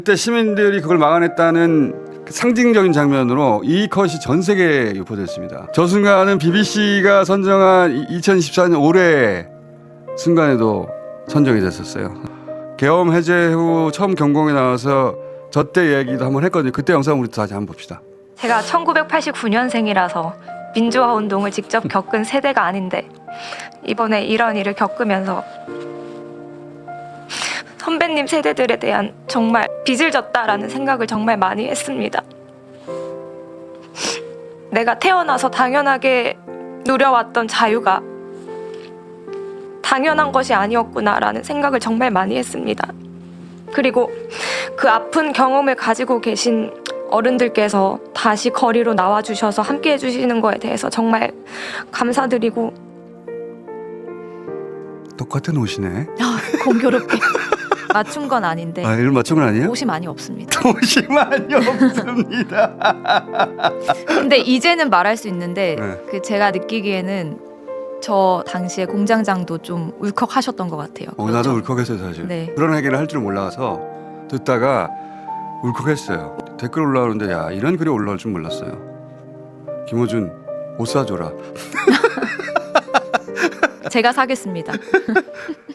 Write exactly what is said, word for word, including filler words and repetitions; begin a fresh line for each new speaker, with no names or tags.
그때 시민들이 그걸 막아냈다는 상징적인 장면으로 이 컷이 전 세계에 유포됐습니다. 저 순간은 비비씨가 선정한 이천이십사 년 올해 순간에도 선정이 됐었어요. 계엄 해제 후 처음 경공에 나와서 저 때 얘기도 한번 했거든요. 그때 영상 우리 다시 한번 봅시다.
제가 천구백팔십구 년생이라서 민주화 운동을 직접 겪은 세대가 아닌데 이번에 이런 일을 겪으면서 선배님 세대들에 대한 정말 빚을 졌다라는 생각을 정말 많이 했습니다. 내가 태어나서 당연하게 누려왔던 자유가 당연한 것이 아니었구나라는 생각을 정말 많이 했습니다. 그리고 그 아픈 경험을 가지고 계신 어른들께서 다시 거리로 나와주셔서 함께 해주시는 거에 대해서 정말 감사드리고.
똑같은 옷이네.
아, 공교롭게 맞춘 건 아닌데
아, 이걸 맞춘 건 아니에요?
옷이 많이 없습니다.
옷이 많이 없습니다.
근데 이제는 말할 수 있는데
네.
그 제가 느끼기에는 저 당시에 공장장도 좀 울컥하셨던 것 같아요.
어, 나도 울컥했어요 사실.
네.
그런 얘기를 할 줄 몰라서 듣다가 울컥했어요. 댓글 올라오는데 야 이런 글이 올라올 줄 몰랐어요. 김호준 옷 사줘라.
제가 사겠습니다.